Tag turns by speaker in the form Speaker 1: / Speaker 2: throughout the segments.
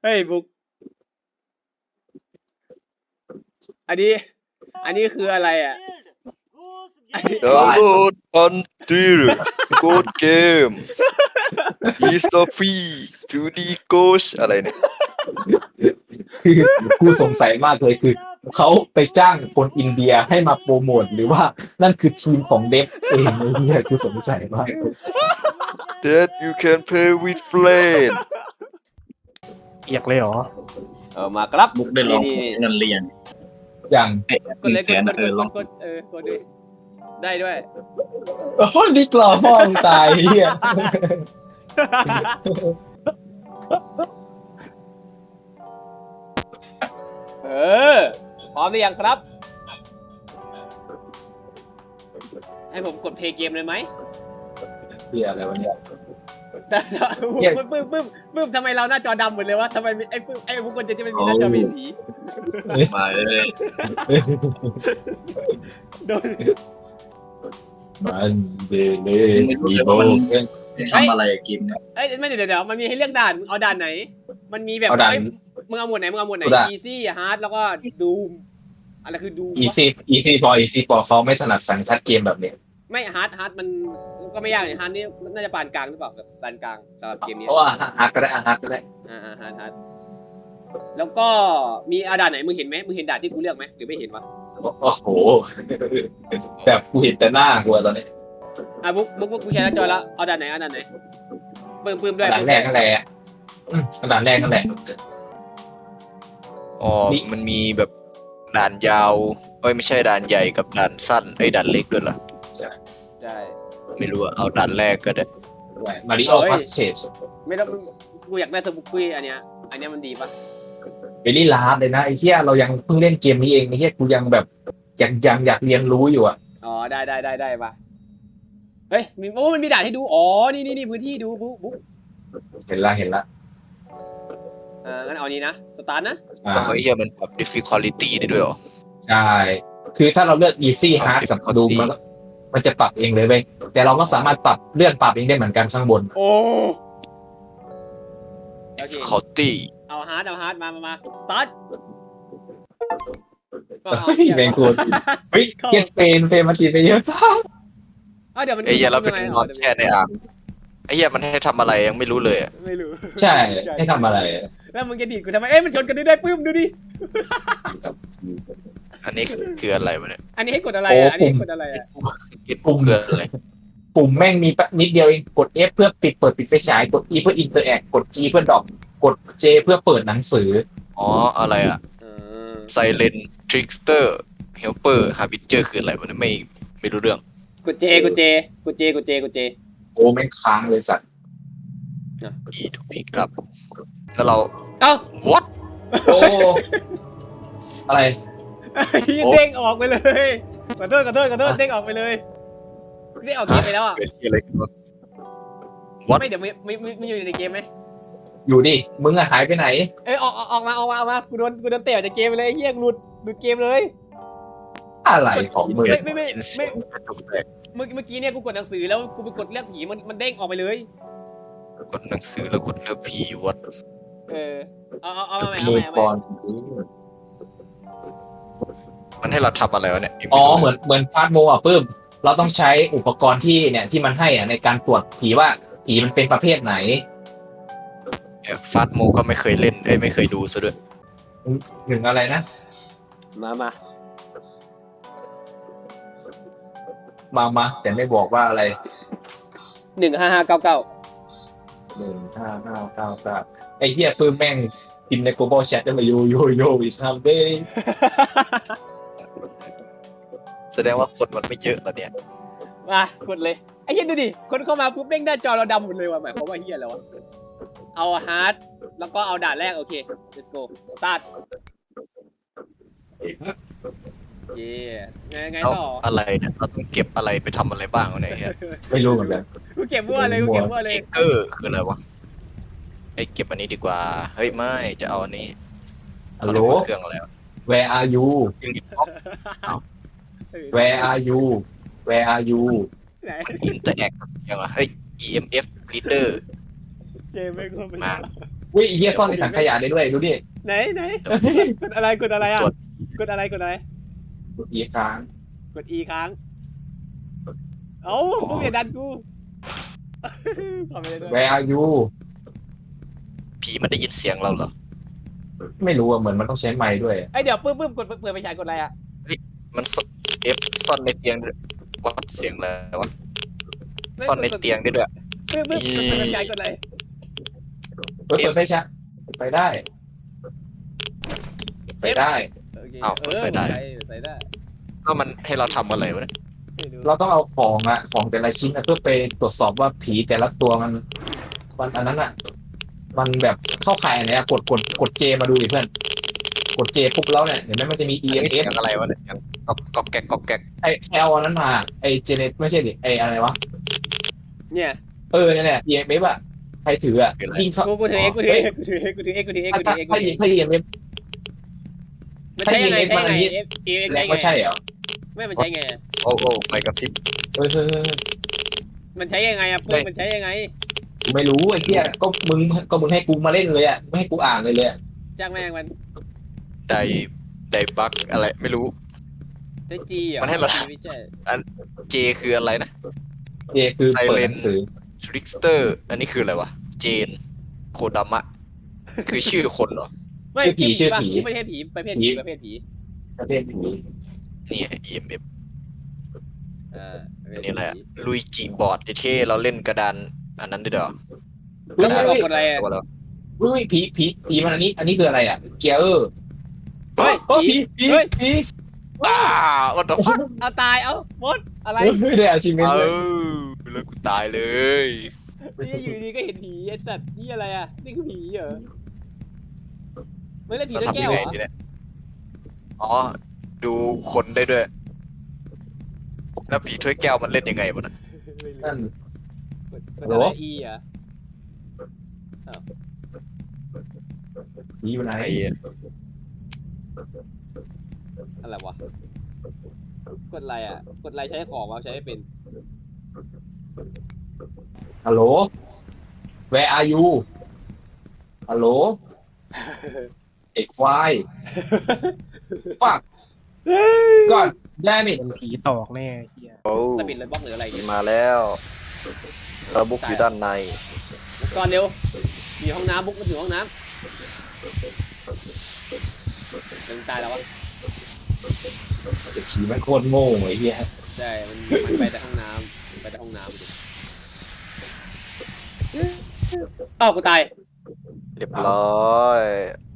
Speaker 1: เฮ้ยบุ๊กอันนี้คืออะไรอ่ะ
Speaker 2: ดาวน์โหลดอันติลโกดเกมอีสต์ฟีทูดีโกสอะไรเนี่ย
Speaker 3: คือกูสงสัยมากเลยคือเขาไปจ้างคนอินเดียให้มาโปรโมทหรือว่านั่นคือทีมของเดฟเองไอ้เหี้ยกูสงสัยมาก
Speaker 2: that you can play with friends
Speaker 4: เอียกเลยเหรอ
Speaker 1: มาครับ
Speaker 5: บุ๊กได้ลอง
Speaker 1: นี่
Speaker 5: เงินเรียน
Speaker 3: อย่าง
Speaker 1: กดเลย
Speaker 5: 100,000ลอง
Speaker 1: กดกดด้วยได้ด้วย
Speaker 3: โอ้นี่กล่อพ่อมึงตายเหี้ย
Speaker 1: พร้อมหรือยังครับ ให้ผมกดเพลย์เกมเลยไหม
Speaker 3: เหี้ยอะไรวะเนี่ย
Speaker 1: ปึ้มทำไมเราหน้าจอดำหมดเลยวะทำไมไอ้พวกคนจะไม่มีหน้าจอมีสี
Speaker 5: มาเลย
Speaker 1: โดน
Speaker 3: มันเดเล
Speaker 5: ไม่รู้
Speaker 3: มี
Speaker 5: เลย
Speaker 3: โบ
Speaker 5: ว่ามันจะทำอะไรเกมเนี่ย
Speaker 1: เอ้ยไม่เดี๋ยวมันมีให้เลือกด่านเอาด่านไหน มันมีแบบมึงเอาหมวดไหนeasy hard แล้วก็ doom อะไรคือ doom
Speaker 3: อีซี่พอเขาไม่ถนัดสังชัดเกมแบบเนี้ย
Speaker 1: ไม่ hard มันก็ไม่ยากเลย hard นี่น่าจะปานกลางหรือเปล่าแบบปานกลางสำหรับเกมนี้
Speaker 3: เพราะว่าฮาร์ดก็ได้ฮาร์ดก็ได้
Speaker 1: hard แล้วก็มีเอาด่านไหนมึงเห็นไหมมึงเห็นด่านที่กูเลือกไหมหรือไม่เห็นวะ
Speaker 3: โอ้โหแบบกูเห็นแต่หน้ากูตอนนี้
Speaker 1: บุ๊กกูแชร์หน้าจอแล้วเอาด่านไหนปึ้มด้วย
Speaker 3: ด่านแรกนั่นแหละด่านแรกนั่นแหละ
Speaker 2: อ๋อมันมีแบบด่านยาวไม่ใช่ด่านใหญ่กับด่านสั้นด่านเล็กด้วยเหรอ
Speaker 1: ใช่
Speaker 2: ไม่รู้อะเอาด่านแรกก็ได้
Speaker 3: มาริโอพัสเชส
Speaker 1: ไม่ต้องกูอยากได้สบุกกี้อันเนี้ยมันดีปะ
Speaker 3: เบลลี่ลาร์ดเลยนะไอ้เหี้ยเรายังเพิ่งเล่นเกมนี้เองไอ้เหี้ยกูยังแบบยังอยากเรียนรู้อยู่อ่ะ
Speaker 1: อ๋อได้ปะเฮ้ยมันมีด่านให้ดูอ๋อนี่พื้นที่ดูบุ๊ก
Speaker 3: เห็นละ
Speaker 1: งั้นเอานี้นะสตาร์ทนะ
Speaker 2: แล้วเฮียมันปรับ difficulty ได้ด้วยเหรอ
Speaker 3: ใช่คือถ้าเราเลือก easy hard กับดูมันจะปรับเองเลยเว้ยแต่เราก็สามารถปรับเลื่อนปรับเองได้เหมือนกันข้างบน
Speaker 1: โอ้
Speaker 2: difficulty
Speaker 1: เอาฮาร์ดมาสตาร์ท
Speaker 3: เฮ้ยแมงกูเฮ้ยเก็ตเฟนมาตีไปเยอะ
Speaker 1: เดี๋ยวมัน
Speaker 2: เฮียเราเป็นนอนแช่ในอ่างเฮียมันให้ทำอะไรยังไม่รู้เลยอะ
Speaker 1: ไม่รู้
Speaker 3: ใช่ให้ทำอะไร
Speaker 1: แล้วมึงจะดีดกูทำไมมันชนกันได้ปื้มดูดิ
Speaker 2: อันนี้คืออะไรวะเนี่ย
Speaker 1: อันนี้ให้กดอะไรอ่ะอันนี้ให้กดอะไรอ่ะ
Speaker 2: สกิปปุ่มคืออะไร
Speaker 3: ปุ่มแม่งมีนิดเดียวเองกด F เพื่อเปิดปิดไฟฉายกด E เพื่อ interact กด G เพื่อดรอปกด J เพื่อเปิดหนังสือ
Speaker 2: อ๋ออะไรอะ silent trickster helper harbinger คืออะไรวะเนี่ยไม่รู้เรื่อง
Speaker 1: กดเจ
Speaker 3: โอ้แม่งค้างเลยสัตว์
Speaker 2: E to pick up แล้วเรา
Speaker 1: เอ้า
Speaker 2: what
Speaker 3: โอ้อะไร
Speaker 1: เด้งออกไปเลยขอโทษเด้งออกไปเลยเด้งออกเกมไปแล้วอ่ะ
Speaker 2: เกิดอะไรขึ้นวะ
Speaker 1: ไม่เดี๋ยวไม่อยู่ในเกมไหม
Speaker 3: อยู่ดิมึงอะหายไปไหน
Speaker 1: ออกมากูโดนเตะจากเกมไปเลยเฮียหลุดเกมเลย
Speaker 3: อะไรของมึง
Speaker 1: ไม่
Speaker 2: ยินเสียงกระจกแตก
Speaker 1: เมื่อกี้เนี่ยกูกดหนังสือแล้วกูไปกดเลือกผีมันเด้งออกไปเลย
Speaker 2: กดหนังสือแล้วกดเลือกผีวัด
Speaker 1: เอาใหม่
Speaker 3: มีบอลจริง
Speaker 2: มันให้เราทำอะไรวะเนี่ย
Speaker 3: อ๋อเหมือนพาร์ทโมอ่ะปื้มเราต้องใช้อุปกรณ์ที่มันให้อ่ะในการตรวจผีว่าผีมันเป็นประเภทไหน
Speaker 2: ฟาดโมก็ไม่เคยเล่นไม่เคยดูซะด้วย
Speaker 3: หนึ่งอะไรนะ มาแต่ไม่บอกว่าอะไร
Speaker 1: 15,599
Speaker 3: 15,599ไอ้เหี้ยปื้มแม่งพิมพ์ใน global chat ได้มาโย is someday
Speaker 2: แสดงว่าคนมันไม่เยอะแล้วเนี่ย
Speaker 1: มากดเลยไอ้เหี้ยดูดิคนเข้ามาปุ๊บเด้งหน้าจอเราดำหมดเลยว่ะหมายความว่าเหี้ยแล้ววะเอาฮาร์ดแล้วก็เอาด่านแรกโอเค let's go start เย่ไง
Speaker 2: เอา
Speaker 1: ต่อ
Speaker 2: อะไรเนี่ยเราต้องเก็บอะไรไปทำอะไรบ้างวะเนี่ย
Speaker 3: ไม่รู้เหมือนกัน
Speaker 1: กูเก็บมั่วเลย
Speaker 2: เอเกอร์คืออะไรวะเก็บอันนี้ดีกว่าเฮ้ยไม่จะเอาอันนี้
Speaker 3: ฮัลโหล
Speaker 2: เครื่องอะไรวะ
Speaker 3: where are you where are you where are you
Speaker 1: ไหน
Speaker 2: อินเตอร์แอคกับเสียงเหรอเฮ้ย EMF reader
Speaker 1: เกมไม่ก็ไม่
Speaker 2: มา
Speaker 3: อุ้ยไอ้เหี้ยซ่อนในถังขยะได้ด้วยดูดิ
Speaker 1: ไหนกดอะไรอ่ะกดอะไรกดอะไร
Speaker 3: กดอีค้าง
Speaker 1: กด E ค้างเอ้ามึงอย่าดันกูทำไปเลยด้วย
Speaker 3: Where are you
Speaker 2: ผีมันได้ยินเสียงเราเหรอ
Speaker 3: ไม่รู้อะเหมือนมันต้องใช้ไมค์ด้วย
Speaker 1: ไอเดี๋ยวปื้มกดเปิดไปฉายกดอะไรอ่ะ
Speaker 2: มันซ่อนในเตียงด้วยวัดเสียงแล้ววะซ่อนในเตียงได้ด้วย
Speaker 1: ปื้มกดเปิดไปฉายกดอะไร
Speaker 3: เปิดไฟฉายไปได้ไปได้
Speaker 1: โอเค
Speaker 2: อ้าวเปิดไฟได้
Speaker 1: ใส่ได้
Speaker 2: ก็มันให้เราทำอะไรวะเนี่ย
Speaker 1: ไม่รู้
Speaker 3: เราต้องเอาของแต่ละชิ้นเพื่อไปตรวจสอบว่าผีแต่ละตัวมันอันนั้นอ่ะ มันแบบเข้าข่ายอะไรอะกดเจมาดูดิเพื่อนกดเจปุ๊บแล้วเนี่ยเห็นไหมมันจะมี
Speaker 2: นี่เสีย
Speaker 3: EMF
Speaker 2: งอะไรวะเนี่ยยังก๊อกแก๊กก๊อกแก๊ก
Speaker 3: ไอเอาอันนั้นมาไอเจเนไม่ใช่ดิไออะไรวะ
Speaker 1: เนี่ย
Speaker 3: เนี่ยแหละ EMF อ่ะใครถืออ่ะยิงเข้า
Speaker 1: กูถือ X กูถือ X กูถือ X กูถือ X กูถือ X กูถือ X กูถือ
Speaker 3: ถ้า EMF
Speaker 1: มันใช้ยังไง
Speaker 3: ถ้า EMF
Speaker 1: X
Speaker 3: แล้
Speaker 1: ใช้
Speaker 3: ว
Speaker 1: ไง
Speaker 3: ก็ใช่เหรอ
Speaker 1: ไม่มันใช้ไง
Speaker 2: โอ้ไฟกระพริบ
Speaker 3: เฮ้ย
Speaker 1: มันใช้ยังไงอ่ะปื้มมันใช้ยังไง
Speaker 3: กูไม่รู้ไอ้เหี้ยก็มึงให้กูมาเล่นเลยอ่ะไม่ให้กูอ่านเลยอ่ะ
Speaker 1: จ้างแม่งมัน
Speaker 2: ไดบักอะไรไม่รู้
Speaker 1: ใช้ G อ่ะ
Speaker 2: มันให้เรา
Speaker 1: ไม่ใช่
Speaker 2: เจคืออะไรนะ
Speaker 3: เจคือเปิดหนังสือ
Speaker 2: ทริกสเตอร์ อันนี้คืออะไรวะ เจน โคดามะ คือชื่อคนเหรอ
Speaker 1: ไม่
Speaker 3: ชื่อผี
Speaker 1: ประเภทผีประเภทผี
Speaker 3: ประเภทผี
Speaker 2: นี่ EMF
Speaker 1: ประเภท
Speaker 2: นี่แหละลุยจิบอร์ดเท่ๆเราเล่นกระดานอันนั้นด้วยเหรอ
Speaker 1: แล้วมันบอกกดอะไรอ่ะ
Speaker 2: ตัวเรา
Speaker 3: อุ้ยผีมันอันนี้คืออะไรอ่ะเกียร์
Speaker 1: เฮ้ย
Speaker 3: ผี
Speaker 2: ว้าวันต่อฟัก
Speaker 1: เอาตายเอาหมดอะไร
Speaker 3: ได้อาชีพเมน
Speaker 2: เอ
Speaker 3: เลย
Speaker 2: อแล้วกูตายเลย
Speaker 1: นี่อยู่ดีก็เห็นผีไอ้สัตว์นี่อะไรอ่ะนี่คือผีเหรอไม่ได้ผี
Speaker 2: เรา
Speaker 1: ด้วย
Speaker 2: ทำ
Speaker 1: แก้
Speaker 2: ยั
Speaker 1: ว
Speaker 2: ง
Speaker 1: เห
Speaker 2: ไง
Speaker 1: รอ
Speaker 2: ดีเนี่ยอ๋อ ดูคนได้ด้วย แล้วผีถ้วยแก้วมันเล่นยังไงวะนะ
Speaker 3: นั่น
Speaker 1: กดอะไร E อ่ะ
Speaker 3: ผีอยู่ไหน
Speaker 2: ไอ้เหี้ย
Speaker 1: อะไรวะกดอะไรอ่ะกดอะไรใช้ของวะใช้ไม่เป็น
Speaker 3: ฮัลโหล Where are you ฮัลโหลเอกควายฟักก่อนได้ไหม
Speaker 4: เป็นผีตอกแน่เฮีย
Speaker 2: โอ้
Speaker 1: สปิดเลยบล็อกหรืออะไร
Speaker 2: ผี
Speaker 1: เนี่ย
Speaker 2: มาแล้วเราบุกอยู่ด้านใน
Speaker 1: ก่อนเร็วมีห้องน้ำบุ๊กมาถึงห้องน้ำเป็นตายแล้ววะ
Speaker 3: ผีมันโคตรโง่ไอ้เหี้ย
Speaker 1: ใช่มันไปแต่ห้องน้ำไปแต่ห้องน้ำอ้าวกูตาย
Speaker 2: เรียบร้อย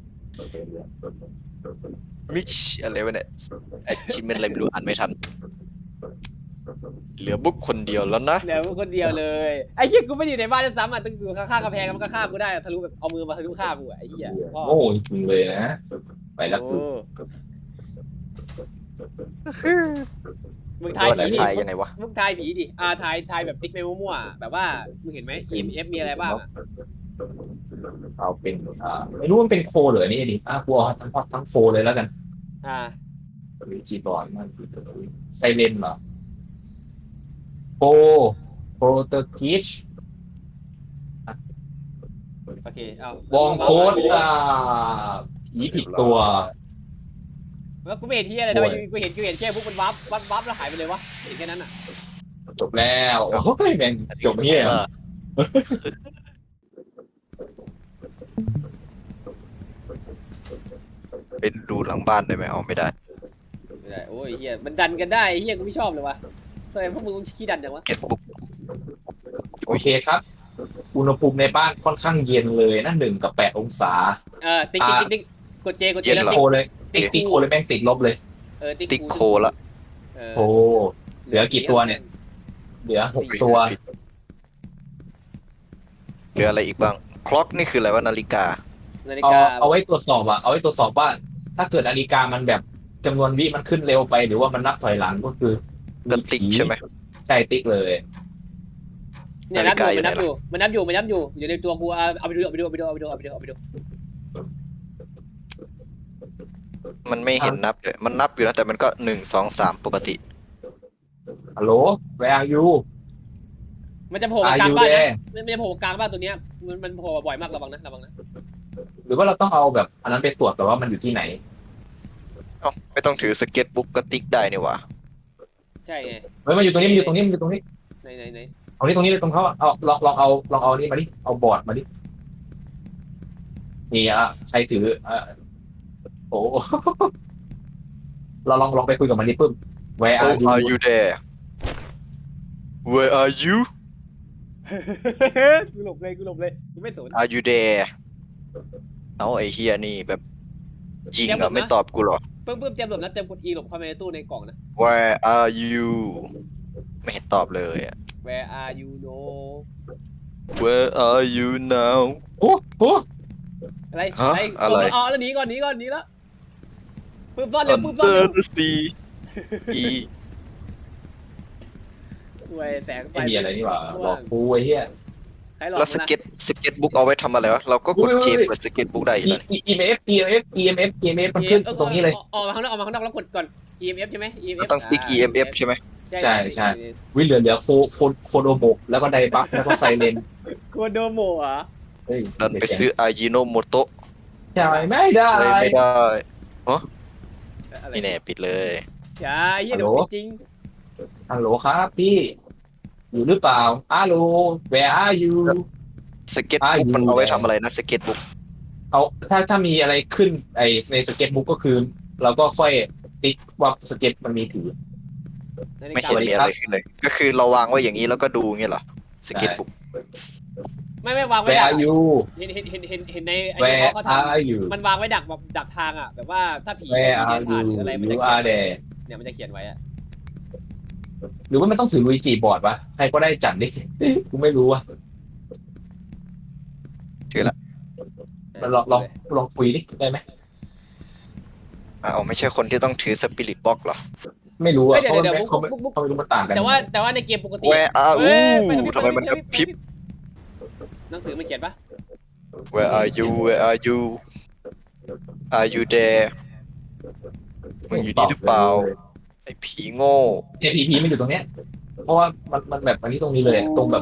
Speaker 2: มิชอะไรวะเนี่ยไอชิมเมนอะไรไม่รู้อ่านไม่ทัน เหลือบุ๊กคนเดียวแล้วนะ
Speaker 1: เหลือกูคนเดียวเลยไอ้เหี้ยกูไม่ได้อยู่ในบ้านด้วยซ้ำอ่ะต้องอยู่ข้างๆกำแพงมันก็ฆ่ากูได้ทะลุแบบเอามือมาทะลุฆ่ากูอ่ะไอ้เหี้ยพ่อ
Speaker 3: โง่จริงๆเลยนะ ไปแล้ว
Speaker 1: โอ้มึงทาย
Speaker 2: ว่า
Speaker 1: ผี
Speaker 2: จะ
Speaker 1: ดิ
Speaker 2: ทายยังไงวะ
Speaker 1: มึงทายผีดิทายแบบติ๊กไปมั่วๆแบบว่ามึงเห็นไหม EMF มีอะไรบ้างอะ
Speaker 3: เอาเป็นไม่รู้มันเป็นโฟหรือนี่ดิกูเอาทั้งโฟเลยแล้วกัน
Speaker 1: อ่า
Speaker 3: หรือจีบอร์ดมันไซเลนเหรอโปรเตอร์กิช
Speaker 1: โอเคเอา
Speaker 3: วองโค้ดผีผิดตัว
Speaker 1: แล้วกูไม่เห็นที่อะไรทำไมกูเห็นแค่พวกมันวับแล้วหายไปเลยวะเห็นแค่นั้นอ่ะ
Speaker 3: จบแล้วโอ้ยแม่งจบเฮีย
Speaker 2: ไปดูหลังบ้านได้ไหมเอาไม่ได้
Speaker 1: ไม่ได้โอ้ยเฮียมันดันกันได้เฮียกูไม่ชอบเลยวะทำไมพวกมึงขี้ดันจังวะ
Speaker 2: เก็ตบุ๊ก
Speaker 3: โอเคครับอุณหภูมิในบ้านค่อนข้างเย็นเลยนะ1 กับ 8 องศา
Speaker 1: ติ๊กกดเจแล้ว
Speaker 3: โคเลยติ๊กโคเลยแม่งติดลบเลย
Speaker 2: ติ๊กโคละ
Speaker 3: โอ้เหลือกี่ตัวเนี่ย เหลือ6 ตัว
Speaker 2: เหลืออะไรอีกบ้างคล็อกนี่คืออะไรวะนาฬิกา
Speaker 1: นาฬิ
Speaker 3: เอา
Speaker 1: กา
Speaker 3: เอาไว้ตรวจสอบเอาไว้ตรวจสอบว่า ถ้าเกิดนาฬิกามันแบบจำนวนวิมันขึ้นเร็วไปหรือว่ามันนับถอยหลังก็คือ
Speaker 2: ก็ติ๊กใช่ไหม
Speaker 3: ใช่ติ๊กเลย
Speaker 1: เนี่ยนับอยู่มันนับอยู่อยู่ในตัวกูเอาไปดู
Speaker 2: มันไม่เห็นนับเลยมันนับอยู่นะแต่มันก็1 2 3ปกติ
Speaker 3: ฮัลโหล where are you
Speaker 1: มันจะโผล่กลางบ้านนะมันจะโผล่กลางบ้านตัวเนี้ยมันโผล่บ่อยมากระวังนะ
Speaker 3: หรือว่าเราต้องเอาแบบอันนั้นไปตรวจแต่ว่ามันอยู่ที่ไหน
Speaker 2: เอ้าไม่ต้องถือสเก็ตบุ๊กก็ติ๊กได้นี่หว่า
Speaker 1: ใช่ไง
Speaker 3: เฮ้ยมันอยู่ตรงนี้มันอยู่ตรงนี้มันอยู่ตรงนี้
Speaker 1: ไหน
Speaker 3: ตรงนี้เลยตรงเขาอะเอาลองเอานี่มาดิเอาบอร์ดมาดินี่อ่ะใครถือโอ้ เราลองไปคุยกับมันดิปึ้ม Where
Speaker 2: Oh
Speaker 3: are you
Speaker 2: are you there Where are you
Speaker 1: กูหลบเลยกูไม่สน
Speaker 2: Are you there เอาไอ้เฮียนี่แบบยิง
Speaker 1: เดี๋ยวผม
Speaker 2: อ่ะ
Speaker 1: นะ
Speaker 2: ไม่ตอบกูหรอ
Speaker 1: เพิ่มเตรียมหลบนะเตรียมกด E หลบเข้าไปในตู้ในกล่องนะ
Speaker 2: Where are you ไม่เห็นตอบเลยอ่ะ
Speaker 1: Where are you no
Speaker 2: Where are you now
Speaker 3: โอ้โห
Speaker 1: อะไร
Speaker 2: ฮะอะไร
Speaker 1: อ๋อแล้วหนีก่อนแล้วปื้มซ่อนเร็ว
Speaker 2: Under the sea อี
Speaker 1: เว้ยแสงไฟ
Speaker 3: ไม่มีอะไรนี่หว่าหลอกกูไอ้เหี้ย
Speaker 1: ใครหลอก
Speaker 2: แล้วสเก็ตบุ๊กเอาไว้ทำอะไรวะเราก็กดเจเปิดสเก็ตบุ๊กได้อีกแล้ว
Speaker 3: EMF มันขึ้นตรงนี้เลย
Speaker 1: ออกมาข้างนอกแล้วกดก่อน EMF ใช่ไหม EMF
Speaker 2: ต้องติ๊ก EMF ใช่ไหม
Speaker 3: ใช่วิเหลือโคโดโมะแล้วก็ไดบัฟแล้วก็ไซเรน
Speaker 1: โคโดโมะเหรอ
Speaker 3: เฮ้ย
Speaker 2: ดันไปซื้ออายิโนโมโตะ
Speaker 3: ใช่ไม่ได้
Speaker 2: ใช้ไม่ได้
Speaker 1: อะไร
Speaker 2: นี่แน่ปิดเลย
Speaker 1: อย่าเหี้ยเดี๋ยวจริง
Speaker 3: ฮัลโหลครับพี่อยู่หรือเปล่าฮัลโหล Where are you
Speaker 2: สเก็ตบุ๊กมันเอาไว้ทำอะไรนะสเก็ตบุ๊ก
Speaker 3: เอาถ้ามีอะไรขึ้นในสเก็ตบุ๊กก็คือ เราก็ค่อยติ๊กว่าสเก็ตมันมีถือ
Speaker 2: ไม่เห็นมีอะไรขึ้นเลย ก็คือเราวางไว้อย่างนี้แล้วก็ดูอย่างเงี้ยเหรอสเก็ตบุ๊ก
Speaker 1: ไม่วางไว้
Speaker 3: Where
Speaker 1: ดัก
Speaker 3: are you
Speaker 1: เห็นในไอ้
Speaker 3: Where
Speaker 1: เขาท
Speaker 3: are you
Speaker 1: ำมันวางไว้ดักทางอ่ะแบบว่าถ้าผี
Speaker 3: Where
Speaker 1: เดิ
Speaker 3: are
Speaker 1: นผ่านห
Speaker 3: you
Speaker 1: รืออะไรมันจะ
Speaker 3: You
Speaker 1: เขีย
Speaker 3: are
Speaker 1: น
Speaker 3: there
Speaker 1: เนี่ยมันจะเขียนไว้อะ
Speaker 3: หรือว่ามันต้องถือลุยจีบอร์ดวะใครก็ได้จัดดิ กูไม่รู้อ่ะ
Speaker 2: ถือละ
Speaker 3: มันลองคุยดิได้ไหม
Speaker 2: เอาไม่ใช่คนที่ต้องถือสปิริตบ็อกเหรอ
Speaker 3: ไม่รู้อ่ะ
Speaker 1: เดี๋
Speaker 3: เขา
Speaker 1: ยว
Speaker 3: ไม่
Speaker 1: บุ๊ก
Speaker 3: เขาไม่รู้มันต่างกัน
Speaker 1: แต่ว่าในเกมปกติ
Speaker 2: Where are
Speaker 1: เฮ้ย
Speaker 2: you ทำไมมันกระพริบ
Speaker 1: หนังสือมันเขียนปะ
Speaker 2: Where are you Where are you Are you there มึงอยู่นี่หรือเปล่าไอ้ผีโง่
Speaker 3: เนี่ยพีมันอยู่ตรงเนี้ย เพราะว่ามันแบบอันนี้ตรงนี้เลยอะตรงแบบ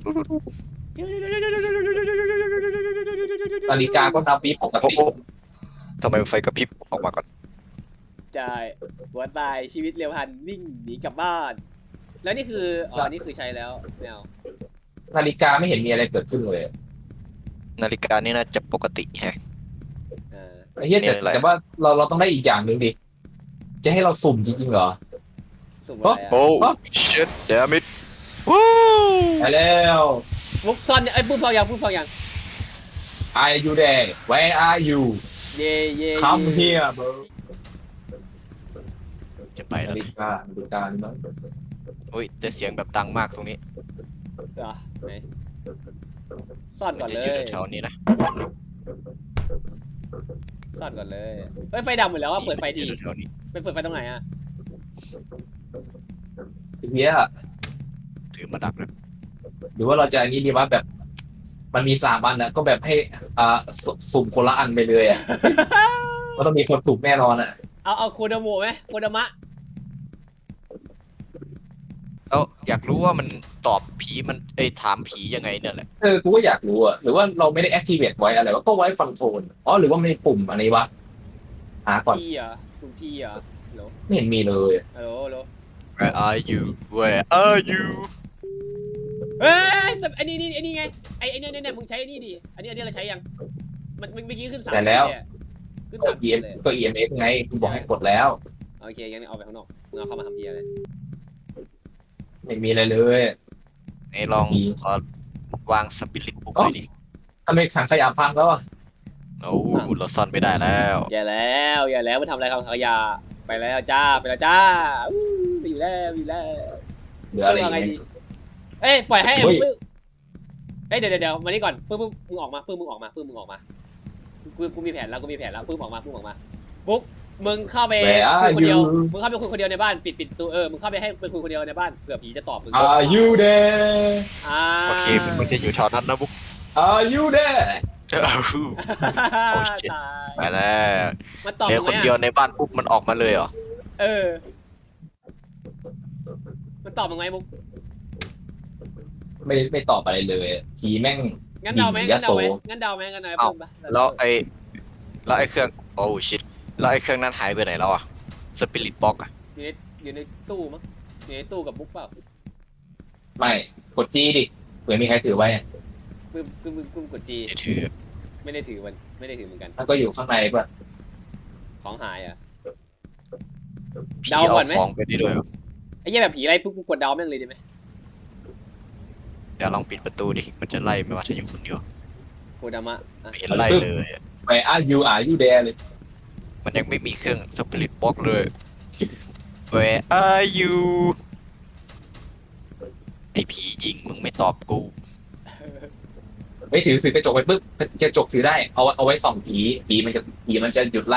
Speaker 3: นาฬิกาก็นับวิปก
Speaker 2: โอ้
Speaker 3: ติ
Speaker 2: โอ้ทำไมไฟกระพริบออกมาก่อน
Speaker 1: ใช่หัวตายชีวิตเร็วพันวิ่งหนีกลับบ้าน แล้วนี่คือนี่คือใช้แล้วไม่เอา
Speaker 3: นาฬิกาไม่เห็นมีอะไรเกิดขึ้นเลย
Speaker 2: นาฬิกานี่น่าจะปกติแฮะ
Speaker 3: ไอ้เหี้ย
Speaker 2: เนี่ยอะไร
Speaker 3: แต่ว่าเราต้องได้อีกอย่างหนึ่งดิ จะให้เราสุ่มจริงๆเหรอ
Speaker 1: สุ่มอะไร
Speaker 2: โอ้
Speaker 1: อะ
Speaker 2: shit damn it วู้
Speaker 3: ไปแล้ว
Speaker 1: มุกซ่อนไอ้ปุ๊บซ่อนยัง
Speaker 3: Are you there Where are you
Speaker 1: เย่เย่
Speaker 3: Come here bro
Speaker 2: จะไป
Speaker 3: นา
Speaker 2: แล้ว
Speaker 3: ฬิ
Speaker 2: นะ
Speaker 3: กานี่มั้ง
Speaker 2: อุ้ยแต่เสียงแบบดังมากตรงนี้
Speaker 1: เหรอไหนซ่อน
Speaker 2: มั
Speaker 1: ก่อน
Speaker 2: จะ
Speaker 1: เล
Speaker 2: อยู่
Speaker 1: ย
Speaker 2: แถวๆนี้นะ
Speaker 1: ซ่อนก่อนเลยเฮ้ยไฟดับหมดแล้วว่าเปิดไฟดี
Speaker 2: อยู่แถวๆนี้
Speaker 1: เป็นเปิดไฟตรงไหนอะ
Speaker 3: ทีเนี้ย
Speaker 2: ถือมาดักนะ
Speaker 3: หรือว่าเราจะอันนี้ดีว่าแบบ มันมี3 อันนะก็แบบให้สุ่มคนละอันไปเลยอ่ะ ก็ต้องมีคนถูกแน่นอนอ่ะ
Speaker 1: เอาโคโดโมะไหมโคโดมะ
Speaker 2: แล้วอยากรู้ว่ามันตอบผีมันถามผียังไงเนี่ยแหละ
Speaker 3: กูก็อยากรู้อ่ะหรือว่าเราไม่ได้ activate ไว้อะไรวะก็ไว้ฟังโทนหรือว่าไม่ได้ปุ่มอันนี้วะหาก่อน
Speaker 1: ทีเหรอปุ่มทีเหรอฮัลโหล
Speaker 3: ไม่เห็นมีเลย
Speaker 1: ฮัลโหลฮัลโหล
Speaker 2: Where are you Where are you
Speaker 1: เฮ้ยไอ้นี่ไงไอ้เนี่ยมึงใช้ไอ้นี่ดิอันนี้เราใช้ยังมันเมื่อกี้ขึ้น3
Speaker 3: แต่แล้ว
Speaker 1: ขึ้น
Speaker 3: ก็
Speaker 1: 3ขีดเลย
Speaker 3: EMF ไงกูบอกให้กดแล้ว
Speaker 1: โอเคงั้นเอาไปข้างนอกมึงเอาเข้ามาทำเพียเลย
Speaker 3: ไม่มีอะไรเลย
Speaker 2: ไอ้ลองขอวางสปิริตบุ๊กหน่อยดิ
Speaker 3: ทำไมถังขยะพังแล้วอ่ะ
Speaker 2: โอ้เราซ่อนไม่ได้แล้ว
Speaker 1: อย่าแล้วมันทำอะไรกับขยะไปแล้วจ้าไปอยู่แล้ว
Speaker 3: เหลืออะไรอีก
Speaker 1: ไง
Speaker 3: ไหม
Speaker 1: ดีเอ้ยปล่อยให้
Speaker 3: เฮ้ย
Speaker 1: ปึ๊บเอ้ยเดี๋ยวมานี่ก่อนปึ๊บมึงออกมากูมีแผนแล้วปึ๊บออกมาปุ๊บมึงเข้าไปคุยคนเดียวมึงเข้าไปคุยคนเดียวในบ้านปิดตัวมึงเข้าไปให้ไปคุยคนเดียวในบ้านเผื่อผีจะตอบมึง
Speaker 3: Are you there
Speaker 2: โอเคมันจะอยู่แถวนั้นนะบุ๊ก
Speaker 3: Are you there
Speaker 2: เจ้า โอ้ shit
Speaker 1: ตาย
Speaker 2: ไปแล้ว
Speaker 1: มันตอบ
Speaker 2: เนี่ย
Speaker 1: มึง
Speaker 2: คน
Speaker 1: ไหม
Speaker 2: เดียว
Speaker 1: อะ
Speaker 2: ในบ้านปุ๊บมันออกมาเลยเหรอ
Speaker 1: มันตอบมึงไหมมุก
Speaker 3: ไม่ตอบอะไรเลยผีแม่ง
Speaker 1: งั้นเดาไหม
Speaker 3: ย
Speaker 1: งั้น
Speaker 3: โส
Speaker 1: เดาไหมงั้นเดาไหม
Speaker 2: เอ้า
Speaker 1: เพิ่มปะ
Speaker 2: แล้วไอ้เครื่องโอ้ชิตแล้วไอ้เครื่องนั้นหายไปไหนแล้วอ่ะสปิริตบ็อกอ่ะ
Speaker 1: อยู่ในตู้มั้งอยู่ในตู้กับบุ๊กเปล่า
Speaker 3: ไม่กดจีดิเผื่อมีใครถือไว้อะ
Speaker 1: ปึ้มกดจี
Speaker 2: ไม่ถือ
Speaker 1: ไม่ได้ถือเหมือนกัน
Speaker 3: มันก็อยู่ข้างในป่ะ
Speaker 1: ของหายอ่ะ
Speaker 2: ผี
Speaker 1: เดา
Speaker 2: เอา
Speaker 1: ก่อนไหม
Speaker 2: ของไปได้ด้วยเหรอ
Speaker 1: ไอ้เหี้ยแบบผีอะไรปุ๊บกูกดเดาแม่งเลยได้ไหม
Speaker 2: เดี๋ยวลองปิดประตูดิมันจะไล่ไหมว่าถ้าอยู่คนเดียว
Speaker 1: โคดามะอ่ะ
Speaker 2: ไม่เห็นไล่เลยอะ
Speaker 3: ไปอายุแดเลย
Speaker 2: มันยังไม่มีเครื่องสปิริตบ็อกเลย Where are you ไอ้ผียิงมึงไม่ตอบกู
Speaker 3: ไม่ถือกระจกไปปุ๊บกระจกถือได้เอาไว้ส่องผีมันจะหยุดไล่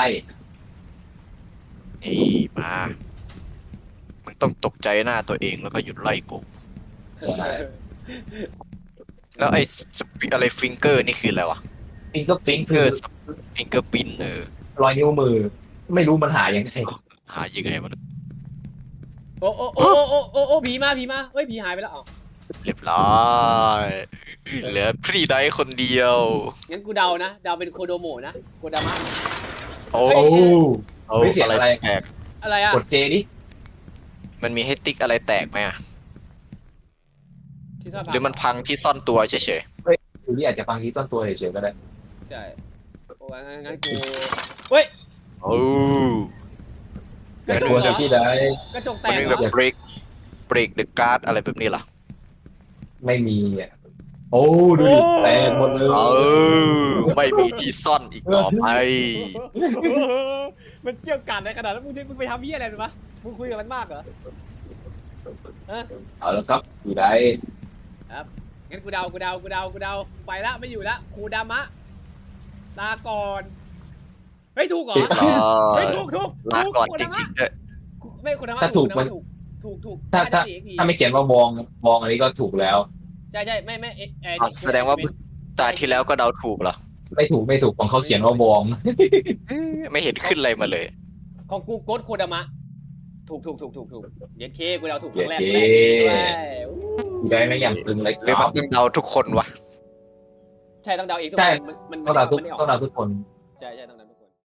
Speaker 2: นี่มามึงต้องตกใจหน้าตัวเองแล้วก็หยุดไล่กู
Speaker 3: ใช่
Speaker 2: แล้วไอ้สปิอะไรฟิงเกอร์นี่คืออะไรวะ
Speaker 3: ฟิงก็
Speaker 2: ฟิงเก
Speaker 3: คือ
Speaker 2: ร์ฟิงเกอร์ปิน
Speaker 3: รอยนิ้วมือ ไม่รู้มันหายังไง
Speaker 2: หายังไงมัน
Speaker 1: โอ้ผีมาเฮ้ยผีหายไปแล้วอ๋อ
Speaker 2: เรียบร้อยเหลือพรีไดคนเดียว
Speaker 1: งั้นกูเดานะเดาเป็นโคโดโมะนะโคดามะ
Speaker 2: โอ้
Speaker 1: เฮ้ย
Speaker 3: โอ้ไม่เสียอะไร
Speaker 2: แตก
Speaker 1: อะไรอ่ะ
Speaker 3: กดเจดิ
Speaker 2: มันมีให้ติ๊กอะไรแตกไหมอะ
Speaker 1: ที่ซ่อน
Speaker 2: หรือมันพังที่ซ่อนตัวเฉย
Speaker 3: หรืออาจจะฟังที่ต้นตัวเฉยๆก็ได้
Speaker 1: ใช่โอ้งั้นกูเฮ้ย
Speaker 2: ๆโอ้
Speaker 1: กระจ
Speaker 3: ตั
Speaker 1: ก
Speaker 3: ว
Speaker 1: เหร
Speaker 3: จะ
Speaker 1: อ
Speaker 3: พี่ได้
Speaker 1: กระจกแต
Speaker 2: มัน
Speaker 1: ก
Speaker 2: มี
Speaker 1: เห
Speaker 2: แบ
Speaker 1: ร
Speaker 2: บ
Speaker 1: อ
Speaker 2: break the guard อะไรแบบนี้เหรอ
Speaker 3: ไม่มีอ่ะโอ้ดูดิแตกหมดเลย
Speaker 2: เออไม่มีที่ซ่อนอีกต่อไป
Speaker 1: มันเกี่ยวกันในขนาดนั้นมึงไปทำเหี้ยอะไรหรือปะมึงคุยกับมันมากเหรอฮะ
Speaker 3: เอาแล้วครับพี่ได้
Speaker 1: งั้นกูเดาไปละไม่อยู่ละโคดามะลาก่อนเฮ้ยถูกเหรอ
Speaker 2: รอ
Speaker 1: เฮ้ยถูก
Speaker 2: ลาก่อน
Speaker 1: โค
Speaker 2: จ
Speaker 1: ดามะ
Speaker 2: ริงๆด้วย
Speaker 1: ไม่โคดามะ
Speaker 3: ถ้าถูกมัน
Speaker 1: ถูก
Speaker 3: ถ้า
Speaker 1: ได้อีกที
Speaker 3: ถ้าไม่เขียนว่าบองอันนี้ก็ถูกแล้ว
Speaker 1: ใช่ไม่
Speaker 2: แสดงว่าตาที่แล้วก็เดาถูกเหรอ
Speaker 3: ไม่ถูกของเขาเขียนว่าบอง
Speaker 2: ไม่เห็นขึ้นอะไรมาเลย
Speaker 1: ของกูโกดโคดามะถูกเย็ดเคกูเดาถูกครั้งแรกด้วยอู้
Speaker 3: พี่ได้ไม่อย่างตึงเลย
Speaker 2: หรือมันต้องเดาทุกคนวะ
Speaker 1: ใช่ต้องเดาเองทุก
Speaker 3: ใช่
Speaker 1: คนมัน
Speaker 3: ต้องเดาทุก
Speaker 1: มันไม่ออก
Speaker 3: ต้องเดาทุกคน
Speaker 1: ใช่ต้องเดา